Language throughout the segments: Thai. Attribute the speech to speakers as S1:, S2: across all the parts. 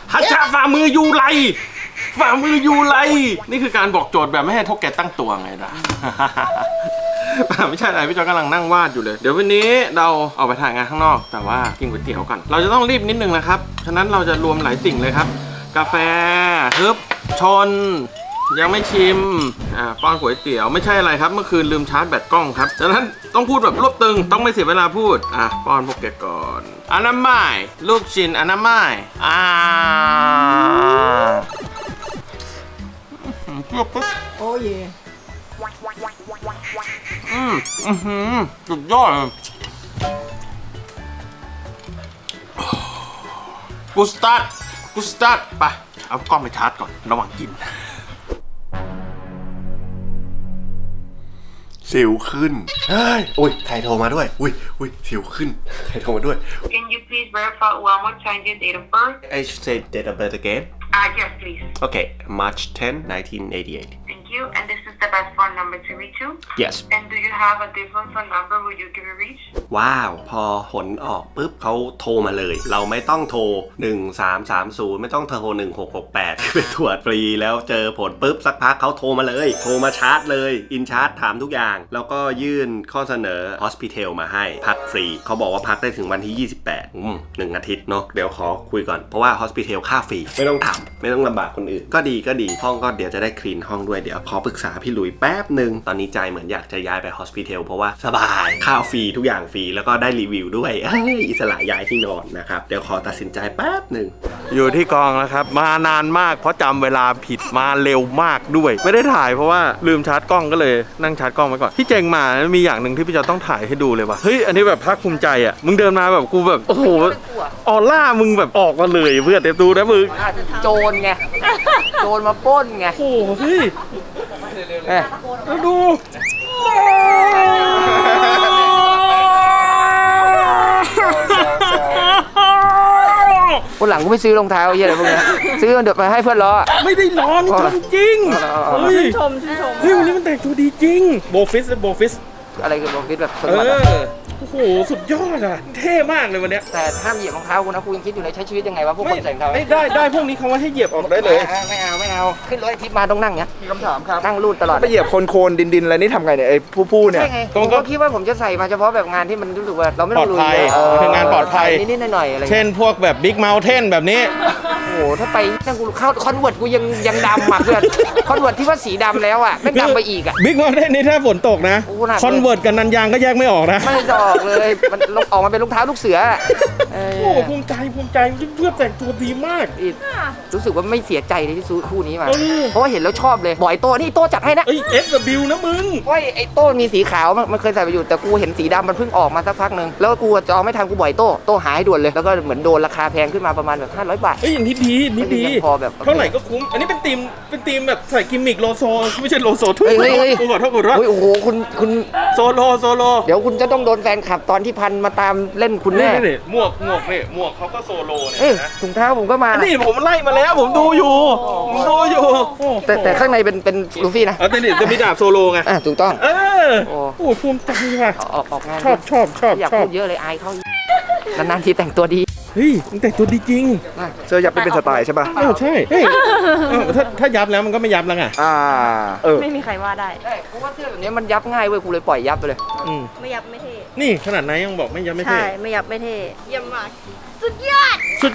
S1: ฮัจจาฝ่ามือยูไรฝ่ามือยูไรนี่คือการบอกโจทย์แบบไม่ให้ทกแกตั้งตัวไงล่ะ ไม่ใช่อะไรพี่จอยกำลังนั่งวาดอยู่เลยเดี๋ยววันนี้เราออกไปถ่ายงานข้างนอกแต่ว่ากินก๋วยเตี๋ยวก่อนเราจะต้องรีบนิดนึงนะครับฉะนั้นเราจะรวมหลายสิ่งเลยครับกาแฟฮึบชนยังไม่ชิมป้อนก๋วยเตี๋ยวไม่ใช่อะไรครับเมื่อคืนลืมชาร์จแบตกล้องครับฉะนั้นต้องพูดแบบรวบตึงต้องไม่เสียเวลาพูดป้อนพวกแกก่อนอนามัยลูกชิ้นอนามัย
S2: โอ้ย
S1: สุดยอดกูสตาร์ทไปเอากล้องไปชาร์จก่อนระหว่างกิน
S3: สิวขึ้นเฮ้ยอุ้ยใครโทรมาด้วยอุ้ยสิวขึ้นใครโทรมาด้วย
S4: Can you please verify one more time your date of birth?
S3: I should say date of birth again
S4: Yes, please.
S3: Okay March 10 1988
S4: Thank you. And this is the best phone number to reach you?
S3: Yes
S4: And do you have a different phone number who you can reach?
S3: ว้าวพอผลออกปุ๊บเขาโทรมาเลยเราไม่ต้องโทร1330ไม่ต้องโทร1668ไปตรวจฟรีแล้วเจอผลปุ๊บสักพักเขาโทรมาเลยโทรมาชาร์จเลยอินชาร์จถามทุกอย่างแล้วก็ยื่นข้อเสนอ Hospital มาให้พักฟรีเขาบอกว่าพักได้ถึงวันที่28 1 อาทิตย์เนาะเดี๋ยวขอคุยก่อนเพราะว่า Hospital ค่าฟรีไม่ต้องทำไม่ต้องลำบากคนอื่นก็ดีห้องก็เดี๋ยวจะได้คลีนห้องด้วยเดี๋ยวขอปรึกษาพี่หลุยแป๊บหนึ่งตอนนี้ใจเหมือนอยากจะย้ายไป Hospital เพราะว่าสบายข้าวฟรีทุกอย่างฟรีแล้วก็ได้รีวิวด้วยอิสระย้ายที่นอนนะครับเดี๋ยวขอตัดสินใจแป๊บหนึ่ง
S1: อยู่ที่กองแล้วครับมานานมากเพราะจำเวลาผิดมาเร็วมากด้วยไม่ได้ถ่ายเพราะว่าลืมชาร์จกล้องก็เลยนั่งชาร์จกล้องไว้ก่อนที่เจงมามีอย่างหนึ่งที่พี่จะต้องถ่ายให้ดูเลยว่าเฮ้ยอันนี้แบบภาคภูมิใจอ่ะมึงเดินมาแบบกูแบบโอ้โหออร่ามึงแบบออกมาเลยเพื่อนเดี๋ยวดูนะมึง
S2: โจรไงโจรมาปล้นไง
S1: โอ้โหเฮ้ยดู
S2: คนหลังกูไม่ซื้อรองเท้าเยอะเลยพวกนี้ซื้อเดี๋ยวไปให้เพื่อนล้อ
S1: ไม่ได้ล้อนี่จริง
S2: ชื่นชม
S1: เฮ้ยวันนี้มันแต่งตัวดีจริงโบฟิส
S2: อะไรกันโบฟิสแบบสด
S1: โอ้โหสุดยอดอ่ะเท่มากเลยวันนี้
S2: แต่ห้ามเหยียบรองเท้ากูนะกูยังคิดอยู่ในใช้ชีวิตยังไงวะพวกคนใส่รองเท้า
S1: ได้พวกนี้เขาว่าให้เหยียบออกได้เลย
S2: ไม่เอาขึ้นรถทิพย์มาต้องนั่งเนี้ยมีคำถามครับนั่งรูดตลอด
S5: ไปเหยียบโคลนดินอะไรนี่ทำไงเนี่ยไอ้ผู้เนี่ย
S2: ผมก็คิดว่าผมจะใส่มาเฉพาะแบบงานที่มันรู้สึกว่าเราไม่ต้องลุย
S1: คืองานปลอดภัย
S2: นิดๆหน่อยๆอะไร
S1: เช่นพวกแบบบิ๊กเมลเทนแบบนี้
S2: โอ้โหถ้าไปนั่งกูเข้าคอนเวิร์ตกูยังดำอ่ะเพื่อนคอนเวิร์ตที่ว่าสีดำแล้วอ่ะไม่ดำไปอีกอ่ะ
S1: บิ๊กเมลเทนนี่ถ้าฝนตกนะคอนเวิร์ตกับนันยางก็แยกไม่ออกนะ
S2: ไม่ออกเลยมันออกมาเป็นรองเท้าลูกเสือ
S1: โอ้ภูมิใจเพื่อแต่งตัวดีมาก
S2: รู้สึกว่าไม่เสียใจเลยที่ซื้อคู่นี้มาเพราะว่าเห็นแล้วชอบเลยบ่อยโต้นี่โต้จัดให้นะ
S1: SW นะมึง
S2: ไอ้โต้มีสีขาวมันเคยใส่ไปอยู่แต่กูเห็นสีดำมันเพิ่งออกมาสักพักนึงแล้วกูจะเอาไม่ทันกูบ่อยโต้หายด่วนเลยแล้วก็เหมือนโดนราคาแพงขึ้นมาประมาณแบบ500 บาท
S1: อย่างนี้ดี
S2: พอแบบ
S1: เท่าไหร่ก็คุ้มอันนี้เป็นธีมแบบใส่กิมมิกโลโซไม่ใช่โลโซทุกกูขอโทษ
S2: โอ้โหคุณ
S1: โซโล
S2: เดี๋ยวคุณจะต้องโดนแฟนคลับตอนที่พันมาตามเล่นคุณแน่
S1: หมวกเขาก็โซโล
S2: เนี่ยถุงเท้าผมก็มา
S1: นี่ผมไล่มาแล้วผมดูอยู่
S2: แต่ข้างในเป็นลูฟี่นะ
S1: แต่นี่จะมีดาบโซโลไง
S2: ถูกต้อง
S1: โอ้ภูมิใจว่ะ
S2: ออกงาน
S1: ชอบ
S2: อยากพูดเยอะเลยอายเขานานๆทีแต่งตัวดี
S1: เฮ้ยมึงแต่งตัวดีจริง
S5: เสื้อยับเป็นสไตล์ใช่ป่ะ
S1: ใช่เฮ้ยถ้ายับแล้วมันก็ไม่ยับแล้วไง
S6: ไม่มีใครว่าได้
S2: เพราะว่าเสื้อแบบนี้มันยับง่ายเว้ยกูเลยปล่อยยับไปเลย
S6: ไม่ยับไม่เท่
S1: นี่ขนาดไหนยังบอกไม่ยับไม่เท่
S6: ใช่ไม่ยับไม่เท่เยี่ยมมากสุดยอด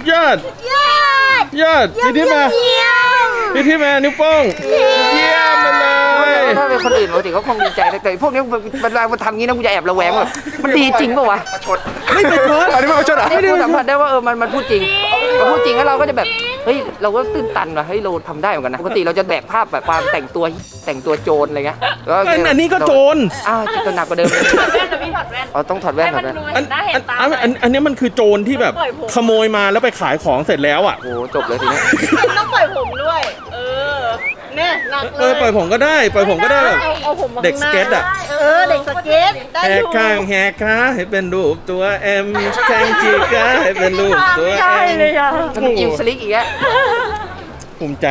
S1: พี่ที่มานิ้วโป้งเยี่ยมเลย
S2: ถ้าเป็นคนอื่นปกติเขาคงดีใจแต่พวกนี้เวลามันทำงี้นะกูจะแอบระแวงแบบมันดีจริงป่ะวะ
S1: ไม่ไปชด
S5: อันนี้ไม่ไปชดอ่ะ
S2: ไม่ได้สัมผัสได้ว่ามันพูดจริงแล้วเราก็จะแบบเฮ้ยเราก็ตื่นตันว่ะเฮ้ยเราทำได้เหมือนกันนะปกติเราจะแบกภาพแบบความแต่งตัวโจรอะไรเงี้ย
S1: อันนี้ก็โจร
S2: จะหนักกว่าเดิม
S6: ถอดแว่นนะพี่ถอดแว่น
S2: ต้องถอดแว่น
S1: อันนี้มันคือโจรที่แบบขโมยมาแล้วไปขายของเสร็จแล้วอ่ะ
S2: โอ้จบเลยทีนี้
S6: ต้องปล่อยผมด้วยเนี่ยหนักเลย
S1: ปล่อยผมก็ได้แบบเด็กสเก็ตอ่ะ
S6: เด็กสเก็ต
S1: แหกข้างแหกขาให้เป็นรูปตัวเอ็มแข้งจีกาให้เป็นรูปตัวเอ็ม
S2: มันอิวสลิกอีกแล้ว
S1: ภูมิใจ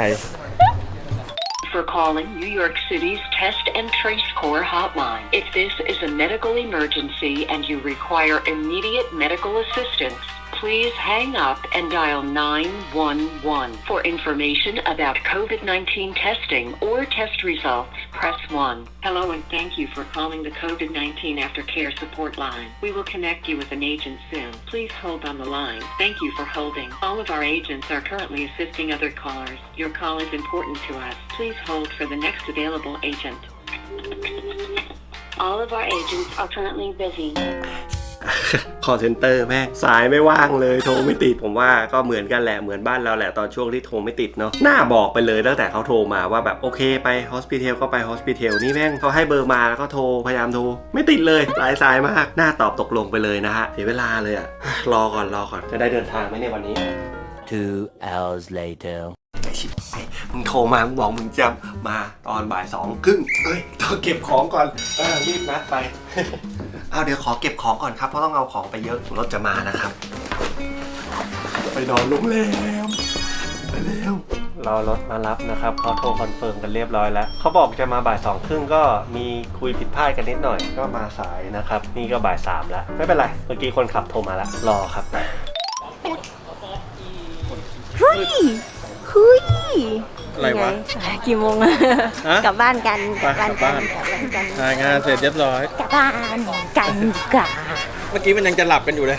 S4: For calling New York City's Test and Trace Corps hotline. If this is a medical emergency and you require immediate medical assistance, Please hang up and dial 911. For information about COVID-19 testing or test results, press 1. Hello and thank you for calling the COVID-19 Aftercare support line. We will connect you with an agent soon. Please hold on the line. Thank you for holding. All of our agents are currently assisting other callers. Your call is important to us. Please hold for the next available agent. All of our agents are currently busy.
S3: call center แม่งสายไม่ว่างเลยโทรไม่ติดผมว่าก็เหมือนกันแหละเหมือนบ้านเราแหละตอนช่วงที่โทรไม่ติดเนาะน่าบอกไปเลยตั้งแต่เขาโทรมาว่าแบบโอเคไปฮอสพิทอลก็ไปฮอสพิทอลนี่แม่งเขาให้เบอร์มาแล้วก็โทรพยายามโทรไม่ติดเลยหลายสายมากน่าตอบตกลงไปเลยนะฮะเสียเวลาเลยอะรอก่อนจะได้เดินทางไหมในวันนี้
S7: 2 hours later
S3: มึงโทรมามึงบอกมึงจะมาตอนบ่าย2 ครึ่งต้องเก็บของก่อนรีบนัดไป เอาเดี๋ยวขอเก็บของก่อนครับเพราะต้องเอาของไปเยอะรถจะมานะครับไปนอนโรงแรมไปเร็วรอรถมารับนะครับเขาโทรคอนเฟิร์มกันเรียบร้อยแล้วเขาบอกจะมาบ่าย 2 ครึ่งก็มีคุยผิดพลาดกันนิดหน่อยก็มาสายนะครับนี่ก็บ่าย 3แล้วไม่เป็นไรเมื่อกี้คนขับโทรมาแล้วรอครับ
S8: คุย
S1: อะไรวะ
S8: กี่โมงอะ
S1: ฮะ
S8: กลับบ้านกัน
S1: ไปกลับบ้าน
S8: กลับบ้านกัน
S1: ถ่ายงานเสร็จเรียบร้อย
S8: กลับบ้านกันดีกว่า
S1: เมื่อกี้มันยังจะหลับกันอยู่เลย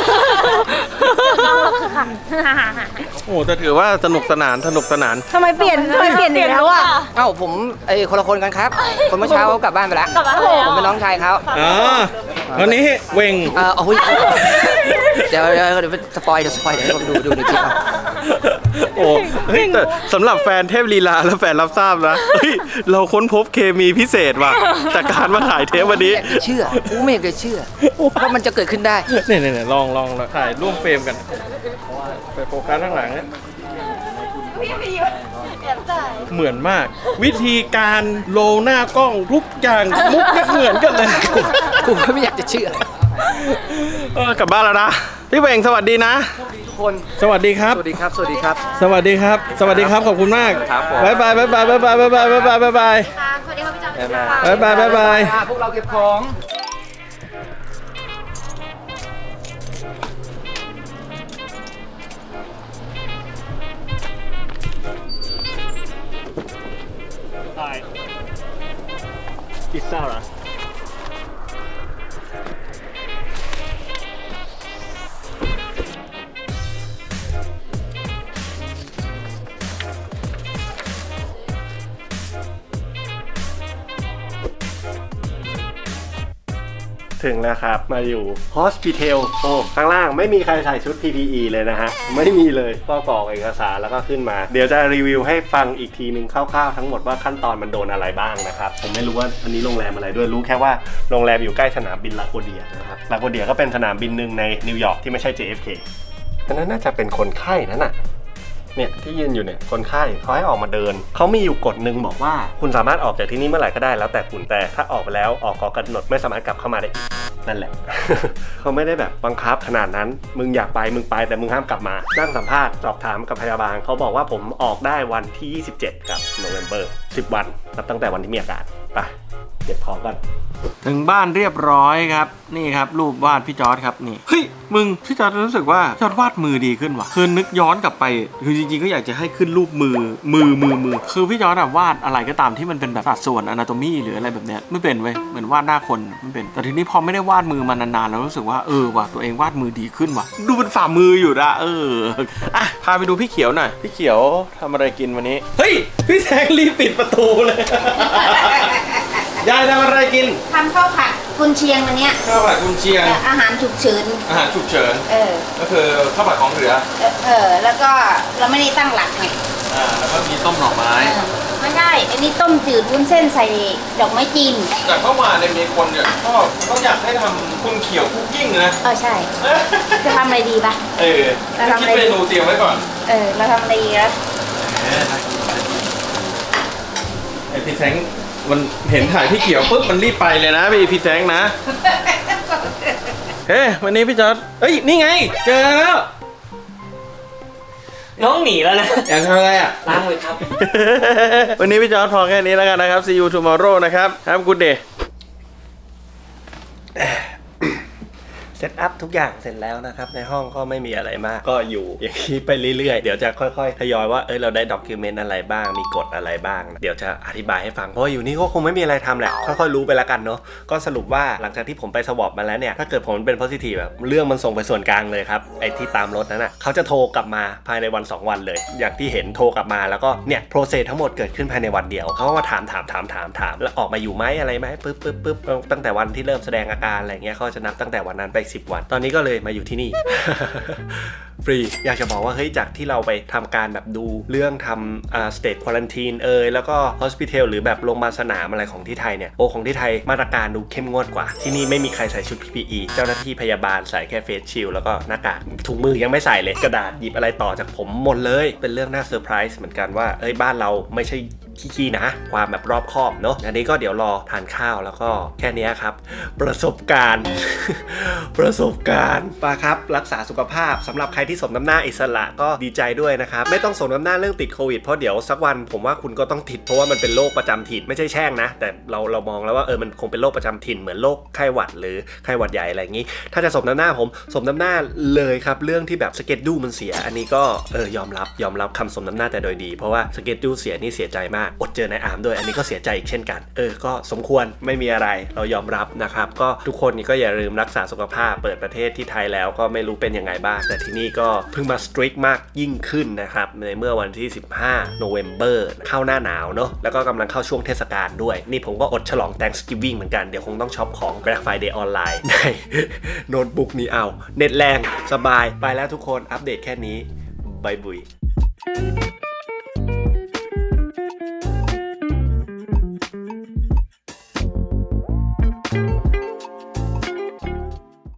S1: โอ้แต่ถือว่าสนุกสนาน
S8: ทำไมเปลี่ยนอีกแล้วอ่ะ
S2: เอ้าผมคนละคนกันครับ คนเมื่อเช้าเขากลับบ้านไปแล้ว
S8: กลับบ้านแล้ว
S2: ผมเป็นน้องชายเขา
S1: อ๋อวันนี้เวง
S2: โอ้ยเดี๋ยวสปอยเดี๋ยวผมดูในคลิปเอา
S1: โอ้เฮ้ยแต่สำหรับแฟนเทพลีลาและแฟนรับทราบนะเฮ้ยเราค้นพบเคมีพิเศษว่ะจากการมาถ่ายเทปวันนี้
S2: ไม่อยากจะเชื่อกูไม่อยากจะเชื่อว่ามันจะเกิดขึ้นได้
S1: เนี่ยลองถ่ายร่วมเฟรมกัน ไปโฟกัสข้างหลังนะเหมือนมาก วิธีการโลหน้ากล้องทุกอย่างมุกไม่เหมือนกันเลย
S2: กูไม่อยากจะเชื่อก
S1: ลับบ้านแล้วนะพี่เวงสวัสดีนะ
S2: ทุกคน
S1: สวัสดีครับ
S2: สวัสดีครับ สวัสดีครับ
S1: สวัสดีครับ สวัสดีครับ ขอบคุณมาก
S2: ครับผม
S1: บ๊ายบายบ๊ายบายบ๊ายบายบ๊ายบายบ๊ายบายบ๊ายบาย
S8: สวัสดีครับพี่จอม
S1: บ๊ายบายบ๊ายบาย
S2: พวกเราเก็บของ
S1: พิซซ่าเหรอ
S3: ถึงแล้วครับมาอยู่ Hospital โอ้ข้างล่างไม่มีใครใส่ชุด PPE เลยนะฮะไม่มีเลยก็กรอกเอกสารแล้วก็ขึ้นมาเดี๋ยวจะรีวิวให้ฟังอีกทีนึงคร่าวๆทั้งหมดว่าขั้นตอนมันโดนอะไรบ้างนะครับผมไม่รู้ว่าอันนี้โรงแรมอะไรด้วยรู้แค่ว่าโรงแรมอยู่ใกล้สนามบินลาโกเดียนะครับลาโกเดียก็เป็นสนามบินหนึ่งในนิวยอร์กที่ไม่ใช่ JFK อันนั้นน่าจะเป็นคนไข้นั่นน่ะเนี่ยที่ยืนอยู่เนี่ยคนไข้เขาให้ออกมาเดินเขามีอยู่กฎหนึ่งบอกว่าคุณสามารถออกจากที่นี่เมื่อไหร่ก็ได้แล้วแต่คุณแต่ถ้าออกไปแล้วออกก่อกำหนดไม่สามารถกลับเข้ามาได้อีกนั่นแหละ เขาไม่ได้แบบบังคับขนาดนั้นมึงอยากไปมึงไปแต่มึงห้ามกลับมานั่งสัมภาษณ์สอบถามกับพยาบาลเขาบอกว่าผมออกได้วันที่27กับโนเวมเบอร์10 วันนับตั้งแต่วันที่มีอาการไปเก็บของกัน
S1: ถึงบ้านเรียบร้อยครับนี่ครับรูปวาดพี่จอร์ดครับนี่เฮ้ยมึงพี่จอร์ดรู้สึกว่าจอร์ดวาดมือดีขึ้นว่ะคือนึกย้อนกลับไปคือจริงๆก็อยากจะให้ขึ้นรูปมือคือพี่จอร์ดวาดอะไรก็ตามที่มันเป็นแบบสัดส่วนอนาโตมีหรืออะไรแบบเนี้ยไม่เป็นเว้ยเหมือนวาดหน้าคนไม่เป็นแต่ทีนี้พอไม่ได้วาดมือมานานๆแล้วรู้สึกว่าว่ะตัวเองวาดมือดีขึ้นว่ะดูเป็นฝ่ามืออยู่นะอ่ะพาไปดูพี่เขียวหน่อยพี่เขียวทำอะไรกินวันนี้เฮ้ยพี่แซงรีบปิดประตูเลย ยายทำอะไรกิน
S8: ทำข้าวผัดกุนเชียงวันเนี้ย
S1: ข้าวผัดกุนเชียง
S8: อาหารฉุกเฉิน
S1: อาหารฉุกเฉิน ก็คือข้าวผัดของเหลือ
S8: แล้วก็เราไม่ได้ตั้งหลักไง
S1: แล้วก็มีต้มหน่อไม้
S8: ไม่ได้ อันนี้ต้มจืดวุ้นเส้นใส่ดอกไม้จีน
S1: จากเมื่อวานเนี่ยมีคนเนี่ยก็อยากให้ทำคุณเขียวคุกกิ้งนะ
S8: ใช่ จะทำอะไรดีปะ
S1: คิดเมนูเตรียมไว้ก่อน
S8: เราทำอะไรดีแล้ว
S1: ไอพี่แซงมันเห็นถ่ายพี่เขียวปุ๊บมันรีบไปเลยนะพี่แซงนะ เฮ้ยวันนี้พี่จอร์ดเอ้ยนี่ไงเจอแล้ว
S7: น้องหนีแล้วนะ
S1: อยากทำอะไรอ่ะ
S7: ล้างมือครับ
S1: วันนี้พี่จอร์ดพอแค่นี้แล้วกันนะครับ see you tomorrow นะครับ have a good day
S3: ซตอัพทุกอย่างเสร็จแล้วนะครับในห้องก็ไม่มีอะไรมากก็อยู่อย่างนี้ไปเรื่อยๆเดี๋ยวจะค่อยๆทยอยว่าเราได้ด็อกิวเมนต์อะไรบ้างมีกฎอะไรบ้างเดี๋ยวจะอธิบายให้ฟังเพราะอยู่นี่ก็คงไม่มีอะไรทำแหละค่อยๆรู้ไปแล้วกันเนาะก็สรุปว่าหลังจากที่ผมไปสวอปมาแล้วเนี่ยถ้าเกิดผมเป็น positive แบบเรื่องมันส่งไปส่วนกลางเลยครับไอ้ที่ตามรถนั้นเขาจะโทรกลับมาภายในวัน2วันเลยอย่างที่เห็นโทรกลับมาแล้วก็เนี่ยโปรเซสทั้งหมดเกิดขึ้นภายในวันเดียวเขาก็มาถามแล้วออกมาอยู่ไหมอะไรไหมปึ๊บตั้งแต่วันที่เริ่มแสดงอาการอะไรเงี้ยเขาจะนับตั้งแต่วันนั้นไป10 วันตอนนี้ก็เลยมาอยู่ที่นี่ ฟรีอยากจะบอกว่าเฮ้ยจากที่เราไปทำการแบบดูเรื่องทำstate quarantine แล้วก็ hospital หรือแบบโรงพยาบาลสนามอะไรของที่ไทยเนี่ยของที่ไทยมาตรการดูเข้มงวดกว่าที่นี่ไม่มีใครใส่ชุด PPE เจ้าหน้าที่พยาบาลใส่แค่เฟสชิลแล้วก็หน้ากากถุงมือยังไม่ใส่เลยกระดาษหยิบอะไรต่อจากผมหมดเลยเป็นเรื่องน่าเซอร์ไพรส์เหมือนกันว่าบ้านเราไม่ใช่ขี้นะความแบบรอบคอบเนาะอันนี้ก็เดี๋ยวรอทานข้าวแล้วก็แค่นี้ครับประสบการณ์ ปะครับรักษาสุขภาพสำหรับใครที่สมน้ำหน้าอิสระก็ดีใจด้วยนะครับไม่ต้องสมน้ำหน้าเรื่องติดโควิดเพราะเดี๋ยวสักวันผมว่าคุณก็ต้องติดเพราะว่ามันเป็นโรคประจำถิ่นไม่ใช่แช่งนะแต่เรามองแล้วว่ามันคงเป็นโรคประจำถิ่นเหมือนโรคไข้หวัดหรือไข้หวัดใหญ่อะไรอย่างนี้ถ้าจะสมน้ำหน้าผมสมน้ำหน้าเลยครับเรื่องที่แบบสเก็ตดูมันเสียอันนี้ก็ยอมรับคำสมน้ำหน้าแต่โดยดีเพราะว่าสเก็ตดูเสียนี่เสียใจมากอดเจอนายอาร์มด้วยอันนี้ก็เสียใจอีกเช่นกันก็สมควรไม่มีอะไรเรายอมรับนะครับก็ทุกคนนี่ก็อย่าลืมรักษาสุขภาพเปิดประเทศที่ไทยแล้วก็ไม่รู้เป็นยังไงบ้างแต่ที่นี่ก็เพิ่งมาสตริกมากยิ่งขึ้นนะครับในเมื่อวันที่15 November เข้าหน้าหนาวเนาะแล้วก็กำลังเข้าช่วงเทศกาลด้วยนี่ผมก็อดฉลอง Thanksgiving เหมือนกันเดี๋ยวคงต้องช็อปของ Black Friday ออนไลน์ในโน้ตบุ๊กนี้เอาเน็ตแรงสบายไปแล้วทุกคนอัปเดตแค่นี้บายบุย